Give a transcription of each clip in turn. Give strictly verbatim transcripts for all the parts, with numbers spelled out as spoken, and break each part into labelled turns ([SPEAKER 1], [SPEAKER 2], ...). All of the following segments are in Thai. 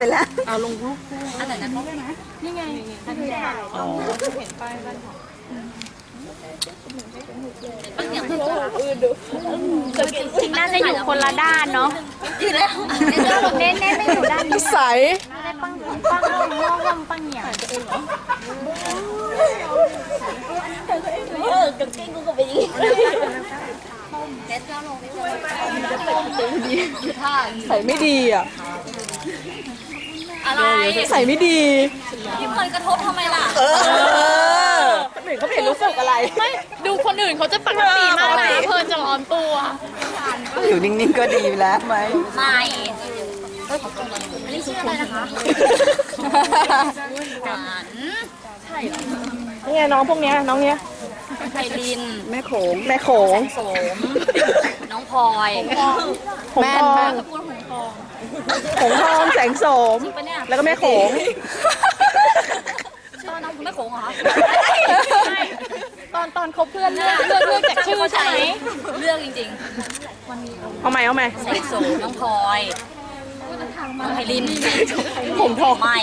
[SPEAKER 1] ไปแล้ว
[SPEAKER 2] เอาลงรูปอันไหนนั้นได้ไหมนี่ไงอันนี้อ๋อเห็นป้ายบ้านของป้าเหนียวคืออื่นดูจริงน่าจะอยู่คนละด้านเนาะยืนแล้วเน้นเน้นไม่อยู่ด้านนี้
[SPEAKER 1] ใส
[SPEAKER 2] ได้ปังปังลงลงลงปังเหนียว
[SPEAKER 3] เออกางเกงกูก็ไปยิงเซ็ตก็ลง
[SPEAKER 1] ใส่ไม่ดีอ่ะ
[SPEAKER 3] อะไร
[SPEAKER 1] ใส่ไม่ดี
[SPEAKER 3] พี่เพลินกระทบทำไมล่ะ
[SPEAKER 1] เออคนอื่นเขาไม่เห็นรู้สึกอะไร
[SPEAKER 2] ไม่ดูคนอื่นเขาจะปกติมากนะเพลินจะร้อนตัว
[SPEAKER 1] อยู่นิ่งๆก็ดีแล้วไหม
[SPEAKER 3] ไม่อันนี้ชื่ออะไรนะคะหวานใช่เหรอ
[SPEAKER 1] นี่ไงน้องพวกเนี้ยน้องเนี้ย
[SPEAKER 3] ไพลิน
[SPEAKER 1] แม่โขงแม่โขง
[SPEAKER 3] โสมน้องพลอย
[SPEAKER 1] แม่นมาก
[SPEAKER 3] พูดหงทอง
[SPEAKER 1] หงทองแสงโสมแล้วก็แม่โขง
[SPEAKER 3] ชื่อน้องแม่โขงเหรอ
[SPEAKER 2] ตอนตอนคบเพื่อนเลือกเลือกเลือกจากชื่อใช่ไหม
[SPEAKER 3] เลือกจริง
[SPEAKER 1] ๆเอาใหม่เอาใหม่
[SPEAKER 3] แสงโสมน้องพลอยน้องไพลิน
[SPEAKER 1] ผมทอง
[SPEAKER 3] ไม่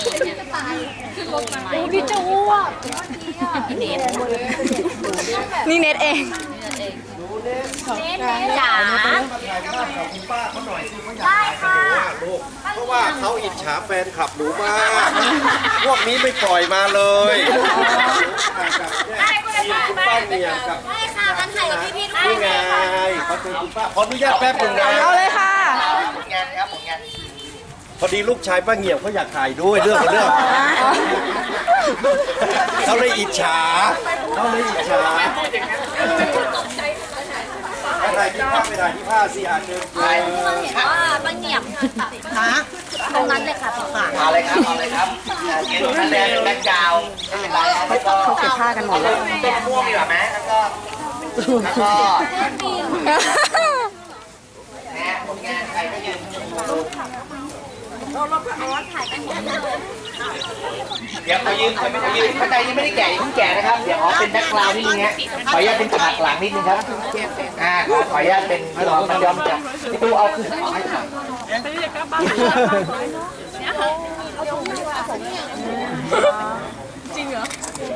[SPEAKER 2] พี่จะอ้วก
[SPEAKER 3] พี่เนท
[SPEAKER 1] นี่เน็ตเอง
[SPEAKER 3] จ๋าได้ค่ะ
[SPEAKER 4] เพราะว่าเขาอิจฉาแฟนคลับหนูมากพวกนี้ไม่ปล่อยมาเลยคุณป้าเนี่ยกับ
[SPEAKER 3] ได้ค่ะกันถ่ายกับพี่ๆ
[SPEAKER 4] นี่ไงขอเชิญคุณป้าขออนุญาตแป๊บหนึ่งนะ
[SPEAKER 1] เอาเลยค่ะ
[SPEAKER 4] ผลงานครับผลงานพอดีลูกชายป้าเงี่ยมเขาอยากถ่ายด้วยเรื่องของเรื่องเขาเลยอิจฉาเขาเลยอิจฉาไปถ่ายที่ผ้าไปถ่ายที่ผ้าสิอาเชิญ
[SPEAKER 3] เพื่อนเห็นว่าป้าเงี่ยมตรงนั้นเลยค่ะพี่ค่ะ
[SPEAKER 5] เอาเลยครับเอาเลยครับเย็นคะแนนเป็นแบ็คกราวด์ไม่เป็นไรแล้วก็
[SPEAKER 1] เขาเก็บผ้ากันหมดแล้ว
[SPEAKER 5] เป็นม่วงดีกว่าไหมแล้วก็แล้วก็แหมผลงานใครก็ยืนเดี๋ยวเขายืนเขายืนข้างในยังไม่ได้แก่ยังไม่แก่นะครับเดี๋ยวขอเป็นแบ็คกราวด์นิดนึงฮะขออนุญาตเป็นฉากหลังนิดนึงครับอ่าขออนุญาตเป็นพี่น้องมันย้อมจะพี่ตู้เอาขึ้นเอาให้ถ่าย
[SPEAKER 2] จริงเหรอ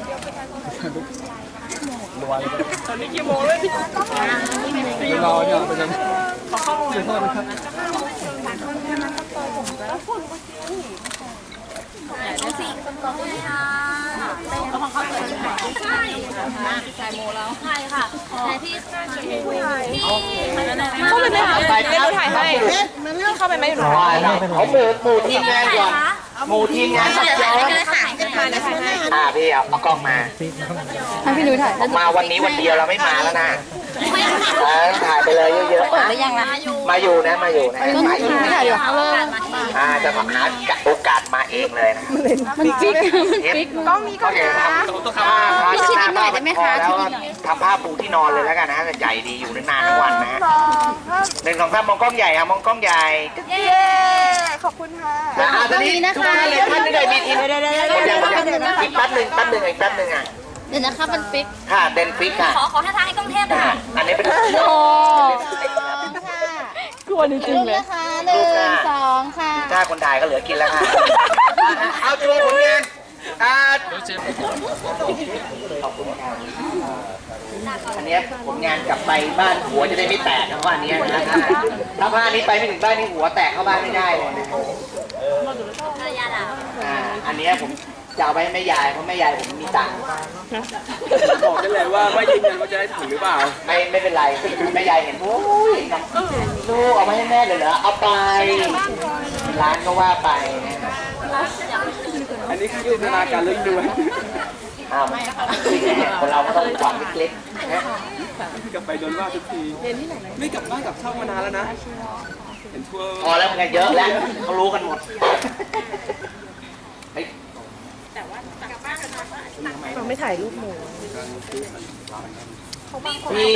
[SPEAKER 1] ตอนนี้กี่โมงเลยพี่รอเนี่ยเป็นยังขอเข้าห้องเลยครับ
[SPEAKER 3] สี่คนต่อเลยค่ะของเขาเลยใช่ใช่โมแล้วใช่ค่ะไหนพี่ที่
[SPEAKER 2] เข้าไปไหมคะเดี๋ยวถ่ายให้เข้าไปไหมอยู่หนู
[SPEAKER 5] เขาหมู่หมู่ทีมงานก่อนหมู่ทีมงานสับย้อนอ่าพี่เอาเอากล้องมา
[SPEAKER 1] ให้พี่นุ้ยถ่าย
[SPEAKER 5] มาวันนี้วันเดียวเราไม่มาแล้วนะถ่ายไปเลยเยอะๆนะมาอยู่นะมาอยู่นะมาอยู่
[SPEAKER 1] ไม่ถ่ายอยู่
[SPEAKER 5] อ่าจะมาหาโอกาสมาเองเลยนะ
[SPEAKER 1] มันจิ๊กมันจิ๊กกล้องนี้ก็ได้
[SPEAKER 5] พี่ชิดนิดหน่อยได้ไหมคะแล้วทำผ้าปูที่นอนเลยแล้วกันนะใหญ่ดีอยู่นานๆทั้งวันนะหนึ่งสองสามมองกล้องใหญ่ครับมองกล้องใหญ่
[SPEAKER 1] เย้ขอบคุณค่ะ
[SPEAKER 5] อ่าตอนนี้ทุกท่านเลยท่านไม่ได้มีทีมอีกแป๊บหนึ่งแป๊บหนึ่งอีกแป๊บหนึ่งอ่ะ
[SPEAKER 3] เดี๋ยวนะคะมันฟิก
[SPEAKER 5] ค่ะเด่นฟิกค่ะ
[SPEAKER 3] ขอขอท่าทางให้กล้องเทพค่ะ
[SPEAKER 5] อันนี้เป็น
[SPEAKER 1] โอ้กลัวจริงๆเลย
[SPEAKER 3] นะคะหนึ่งสองค่ะ
[SPEAKER 5] ถ้าคนถ่ายก็เหลือกินแล้วค่ะเอาโชว์ผลงานอ่าอันนี้ผลงานกลับไปบ้านหัวจะได้ไม่แตกนะว่าอันนี้นะถ้าผ้านี้ไปไม่ถึงบ้านนี่หัวแตกเข้าบ้านไม่ได้เลยนะอ่าอันนี้ผมจะเอาไปให้แม่ยายเพราะแม่ยายผมมีตังค์
[SPEAKER 4] บอกได้เลยว่าไม่ยืนยันว่าจะได้ถึงหรือเปล่า
[SPEAKER 5] ไม่ไม่เป็นไรแม่ยายเห็นโอ้ยลูกเอาไปให้แม่เลยเหรอเอาไปร้านก็ว่าไปนะ
[SPEAKER 4] อันนี้คือจินตนาการลึกด้วย
[SPEAKER 5] อ้าวคนเราก็ต้องหวังเล็กๆนะ
[SPEAKER 4] กลับไปโดนว่าทุกทีไม่กลับบ้านกลับช่องมานานแล้วนะเห็นทั่ว
[SPEAKER 5] พอแล้วมันเยอะแล้วเขารู้กันหมด
[SPEAKER 1] เราไม่ถ่ายรูปหมู
[SPEAKER 5] พี่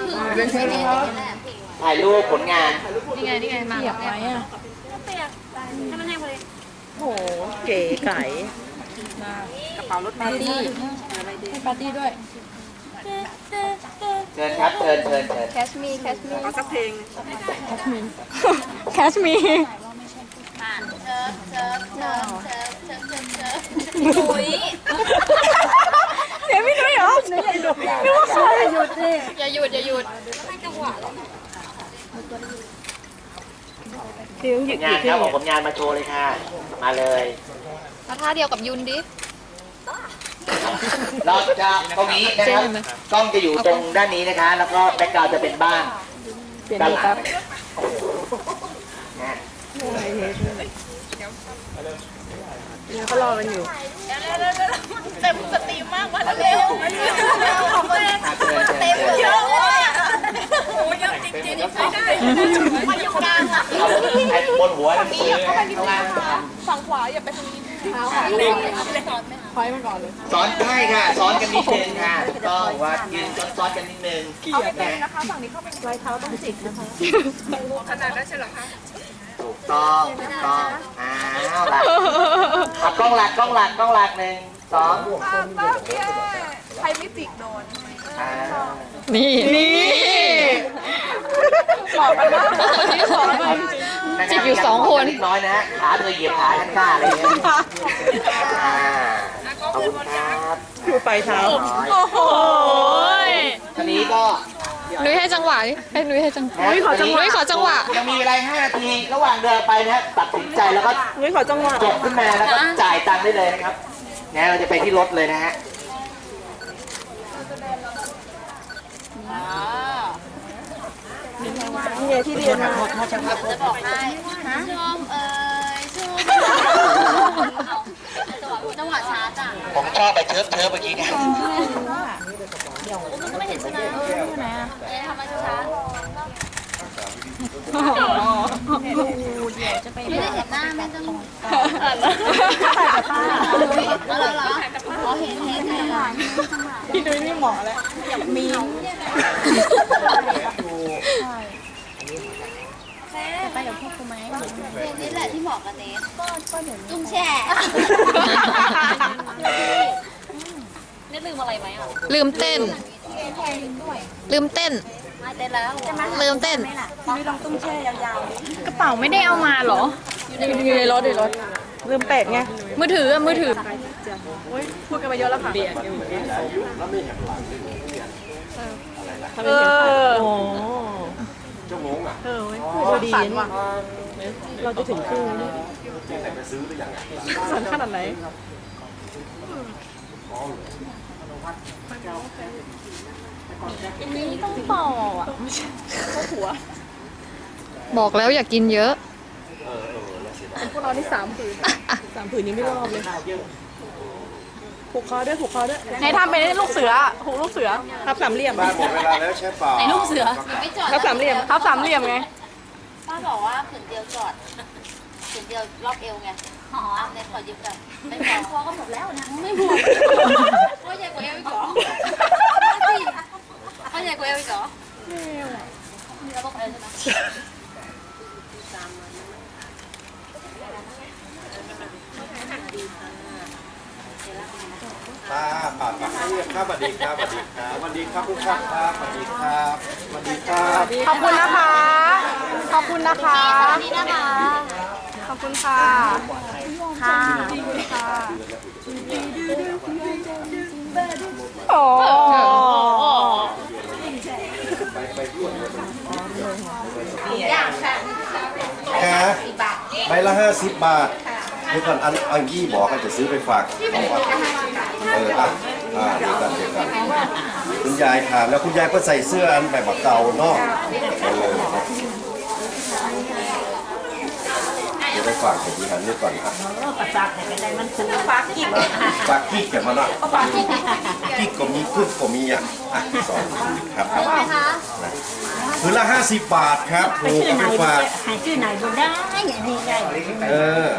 [SPEAKER 5] ถ่ายรูปผลงาน
[SPEAKER 2] นี่ไงนี่ไงมาอยากไหมอ่ะ
[SPEAKER 3] เปียกให้มันแห้งพอดี
[SPEAKER 1] โหเก๋ไก่
[SPEAKER 2] กระเป๋ารถปาร์ตี้ให้ปาร์ตี้ด้วย
[SPEAKER 5] เชิญครับเชิญเชิญเชิญ
[SPEAKER 3] แคชมีแคชมี
[SPEAKER 1] เอาสักเพลง
[SPEAKER 2] แคชมีแคชมี
[SPEAKER 3] เชิญเชิญนุ้ย
[SPEAKER 1] เสียพี่นุ้ยเหรอนึกว่าใครหยุดดิ
[SPEAKER 2] อย่าหยุดอย่าหยุด
[SPEAKER 3] ให้จังหวะเลย
[SPEAKER 1] ซิ้วหยุด
[SPEAKER 5] งานครับผมผมงานมาโชว์เลยค่ะ มาเลย
[SPEAKER 2] มาท่าเดียวกับยุนดิ
[SPEAKER 5] เราจะตรงนี้นะครับกล้องจะอยู่ตรงด้านนี้นะคะ แล้วก็แบ็คกราวด์จะเป็นบ้านด้านหลังนะ
[SPEAKER 1] เขารอกันอยู่
[SPEAKER 3] เต็มสตรีมมากมาเร็วของเต็ม
[SPEAKER 5] อ่ะเชิญเชิญ
[SPEAKER 3] เต็ม
[SPEAKER 5] เชิญ
[SPEAKER 3] เยอะเลยอ่ะโอ้เยอะจริงๆไม่ได้มาอยู่กลางอ่ะ
[SPEAKER 5] เอาไอ้บนหัวนั่นคือข้างล่าง
[SPEAKER 3] ฝั่งขวาอย่าไปทางนี้ถอยมาก่อนเลย
[SPEAKER 5] สอนได้ค่ะสอนกันนิดนึงค่ะถูกต้องว่ายืนซ้อนๆกันนิดนึงนะ
[SPEAKER 3] นะคะฝั่งนี้เข้าเป็นรอยเท้าต้องจิกนะคะขนาดนั้นใช่หรอคะ
[SPEAKER 5] ถูกต้องถูกต้องอ้าวล่ะเอากล้องหลักกล้องหลักกล้องหลักหนึ่งสอง
[SPEAKER 3] ป้าแค่ใครไม่จิกโดน
[SPEAKER 5] อ่า
[SPEAKER 1] นี่นี่บอกกันว่าที่สอนมัน จิกอยู่สองคน
[SPEAKER 5] เล็กน้อยนะฮะขาเธอเหยียบขาข้างหน้าอะไรอย่างเงี้ยอ่าขอบคุณครับ
[SPEAKER 1] คือไปเท้า
[SPEAKER 5] โอ้โห
[SPEAKER 1] ย
[SPEAKER 5] ทีนี้ก็
[SPEAKER 2] นุ้ยให้จังหวะดิให้นุ้ยให้จังหวะ
[SPEAKER 5] นุ้ยขอจังหวะ
[SPEAKER 2] นุ้ยขอจังหวะ
[SPEAKER 5] ยังมีเวลาห้านาที ระหว่างเดินไปนะฮะตัดสินใจแล้วก็
[SPEAKER 1] นุ้ยขอจังหวะ
[SPEAKER 5] จบขึ้นมาแล้วก็จ่ายตังค์ได้เลยนะครับนะเราจะไปที่รถเลยนะฮะ
[SPEAKER 1] เนี่ยที่เรียนมา
[SPEAKER 3] จะบอกให้ชมเอ่ยชมจังหวะช้าจ้ะ
[SPEAKER 5] ผมชอบไปเทิร์ฟเทิร์ฟเมื่อกี้เนี่ย
[SPEAKER 3] มันก็ไม่เห็นชนะไหนอ่ะเอ๊ะทำไมช้าไม่ได้เห็นหน้าไม่ต้องเอาเหรออ๋อเห็นเห็นเห็น
[SPEAKER 1] พี่นุ้ยนี่หมอแล้วมี
[SPEAKER 3] ไปกับพวกกูไหมเพลงนี้แหละที่เหมาะกับเนสก็เดี๋ยวจุ้งแช่ เนสลืมอะไรไหมอ่ะ
[SPEAKER 2] ลืมเต้น ลืมเต้น
[SPEAKER 3] ไม่เต้นแล้ว
[SPEAKER 2] ลืมเต้น
[SPEAKER 1] พี่ลองตุ้มแช่ยาว
[SPEAKER 2] กระเป๋าไม่ได้เอามาเหรอ
[SPEAKER 1] ๆอยู่ในรถในรถลืมเป็ดไง
[SPEAKER 2] มือถืออะมือถือ
[SPEAKER 1] พูดกันมาเยอะแล้วค่ะเออโอ้ชั่วโมงอ่ะเออดีว่ะเราจะถึงครึ่งแล้วสั่นขนาดไหนต้องต่ออ่ะไม่ใช่เข้าหัว
[SPEAKER 2] บอกแล้วอย่ากินเยอะ
[SPEAKER 1] พวกเรานี่สามผืนสามผืนยังไม่รอบเลยผูกคอด้วยผูกคอด้วยไหนทำเป็นลูกเสือผูกลูกเสือทับสามเหลี่ยม
[SPEAKER 4] บ้านหมดเวลาแล้วใช่เปล่า
[SPEAKER 3] ไอ้ลูกเสือไม่จอด
[SPEAKER 1] ทับสามเหลี่ยมทับสามเหลี่ยมไง
[SPEAKER 3] ป้าบอกว่าขืนเดียวจอดขืนเดียวรอบเอวไงอ๋อเนสขอยืมกันไม่พอพอก็หมดแล้วนะไม่พอก็ใหญ่กว่าเอวอีกเหรอก็ใหญ่กว่าเอวอีกเหรอมีระบบอะไรใช่ไหม
[SPEAKER 4] ป้าป้าป้าเรียกครับสวัสดีครับสวัสดีครับสวัสดีครับทุกท่านครับสวัสดีครับสวัสดีครับ
[SPEAKER 1] ขอบคุณนะคะ ขอบคุณนะคะ
[SPEAKER 3] สวัสดีนะคะ
[SPEAKER 1] ขอบคุณค่ะ
[SPEAKER 3] ค่ะ
[SPEAKER 1] ค่ะโอ้
[SPEAKER 3] อย่างค่ะ
[SPEAKER 4] แค่ใบละห้าสิบบาทเดี๋ยวก่อนอันอันยี่บอกกันจะซื้อไปฝากเอาวะเอออ่ะอ่าเดี๋ยวกันเดี๋ยวกันคุณยายถามแล้วคุณยายก็ใส่เสื้ออันแบบเก่าเนาะเออเดี๋ยวไปฝากเด็กดีหันนี่ก่อนครับฝากกิ๊กฝากกิ๊กกันมาหน่อยกิ๊กก็มีขึ้นก็มีอ่ะอ่ะสองครับครับผืนละห้าสิบบาทครับถูกเอาไปฝาก
[SPEAKER 6] หายชื่อไหนบ่ได้อย่างนี้ไง
[SPEAKER 4] เออ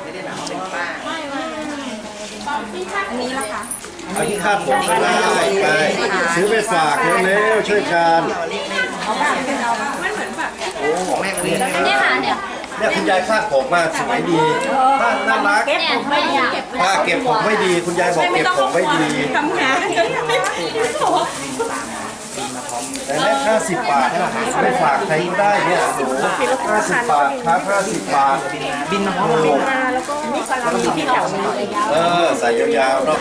[SPEAKER 6] อันนี้ละคะ
[SPEAKER 4] อันที่คาดผมก็ได้ไปซื้อไปฝากเร็วๆช่วยกัน
[SPEAKER 5] โอ้ของแม่เรียน
[SPEAKER 3] เนี่ยค่ะเนี่ย
[SPEAKER 4] เนี่ยคุณยายคาดผมมาสวยดีน่าน่ารัก
[SPEAKER 3] เนี่ยไม่อยาก
[SPEAKER 4] ป้าเก็บผมไม่ดี คุณยายบอกเก็บผมไม่ดี
[SPEAKER 1] ทำงาน
[SPEAKER 4] แต่ห็นไหมห้าสิบบาทไม่ฝากใครก็ได้เนี่ยโอ้โหห้าสิบบาทครับห้าสิบบาท
[SPEAKER 5] บินมาพร้อมกัน
[SPEAKER 1] มาแล้วก็แล้วก็มีที่แถวมา
[SPEAKER 4] เออใส่ยาวๆเนาะ